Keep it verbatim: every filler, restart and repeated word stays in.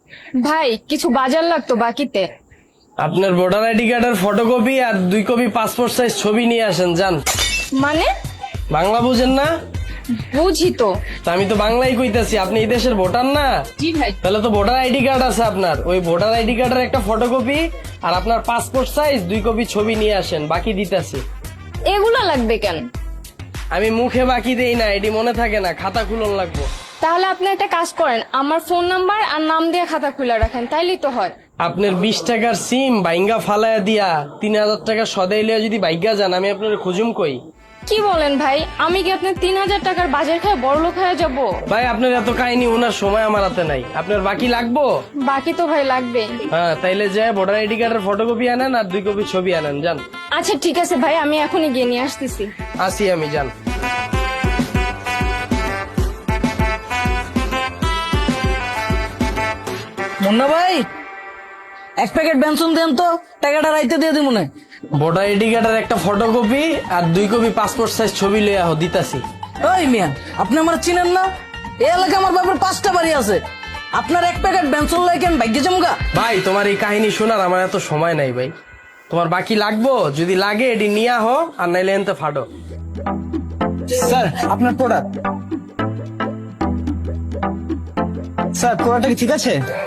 ভাই কিছু বাজার লাগতো বাকিতে। আপনার ভোটার আইডি কার্ডের ফটোকপি আর দুই কপি পাসপোর্ট সাইজ ছবি নিয়ে আসেন যান। মানে? বাংলা বুঝেন না? বুঝি তো। তা আমি তো বাংলাই কইতাছি, আপনি এই দেশের ভোটার না? জি ভাই। তাহলে তো ভোটার আইডি কার্ড আছে আপনার, ওই ভোটার আইডি কার্ডের একটা ফটোকপি আর আপনার পাসপোর্ট সাইজ দুই কপি ছবি নিয়ে আসেন, বাকি দিতেছি। এগুলা লাগবে কেন? আমি মুখে বাকি দেই না, এটি মনে থাকে না, খাতা খুলন লাগবো। তাহলে আপনি একটা কাজ করেন, আমার ফোন নাম্বার আর নাম দিয়ে খাতা খুলে রাখেন, তাইলেই তো হয়। আপনার বিশ টাকার সিম বাইঙ্গা ফালায়া দিয়া তিন হাজার টাকা সদাই লিয়া যদি বাইঙ্গা যান, আমি আপনার খুঁজুম কই? কি বলেন ভাই, আমি কি আপনার তিন হাজার টাকার বাজার খায় বড় লোক হয়ে যাবো? ভাই আপনার এত কাহিনী ওনার সময় আমার হাতে নাই, আপনার বাকি লাগবো? বাকি তো ভাই লাগবে। হ্যাঁ তাইলে যে ভোটার আইডি কার্ডের ফটোকপি আনেন আর দুই কপি ছবি আনেন যান। আচ্ছা ঠিক আছে ভাই, আমি এখনই গিয়ে নিয়ে আসতেছি। আসি আমি, যান। মুন্না ভাই, এক প্যাকেট বেনসন দেন তো, টাকাটা রাইতে দিয়ে দিব মনে। ভোটার আইডি কার্ডের একটা ফটোকপি আর দুই কপি পাসপোর্ট সাইজ ছবি লইয়া হো দিতাছি। ওই মিয়া, আপনি আমার চিনেন না? এই এলাকায় আমার বাবার পাঁচটা বাড়ি আছে। আপনার এক প্যাকেট বেনসন লাই কেন ভাগ্যে জমগা? ভাই তোমার এই কাহিনী শোনার আমার এত সময় নাই ভাই, তোমার বাকি লাগবো? যদি লাগে এটি নিয়ে আহ, আর নাইলে এনতে ফাটো। স্যার আপনার প্রোডাক্ট। স্যার প্রোডাক্টটা কি ঠিক আছে?